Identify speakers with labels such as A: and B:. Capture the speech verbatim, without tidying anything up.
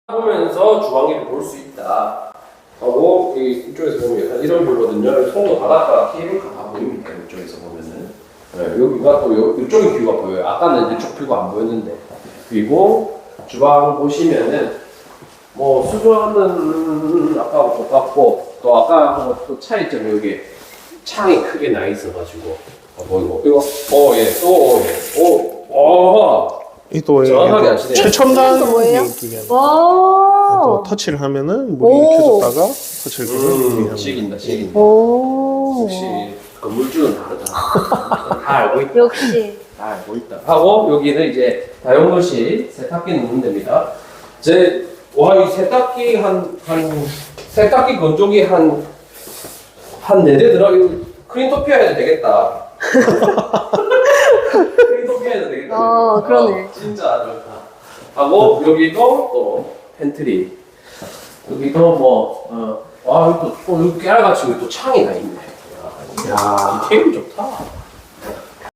A: 보면서 주방일을 볼 수 있다 하고 이 이쪽에서 보면 약간 이런 뷰거든요. 송도 바닷가 케이블카 다 보입니다. 이쪽에서 보면은 네, 여기가 또 요, 이쪽에 뷰가 보여요. 아까는 이쪽 뷰가 안 보였는데. 그리고 주방 보시면은 뭐 수조는 아까하고 똑같고 또 아까하고 또 차이점이 여기 창이 크게 나 있어가지고 어, 보이고 이거 어예또예오어
B: 이또
A: 정확하게 아시네요.
B: 최첨단
C: 이거 뭐예요?
B: 기계.
C: 와.
B: 또 터치를 하면은 물이
C: 오.
B: 켜졌다가 터치를 켜면
A: 음, 식인다 식인다.
C: 오.
A: 역시 건물주는 다르다. 다 알고 있다.
C: 역시.
A: 다 알고 있다. 하고 여기는 이제 다용도실 세탁기 넣는 데입니다. 제 와 이 세탁기 한 한 세탁기 건조기 한 한 네 대 들어. 이거 크린토피아 해도 되겠다. 크린토피아 해도 되겠다.
C: 어, 그러네.
A: 어, 진짜 아주 좋다. 하고 여기도 또 팬트리. 여기도 뭐 어, 와, 또, 또 여기 깨알같이 또 창이 나 있네. 야, 이 테이블 좋다.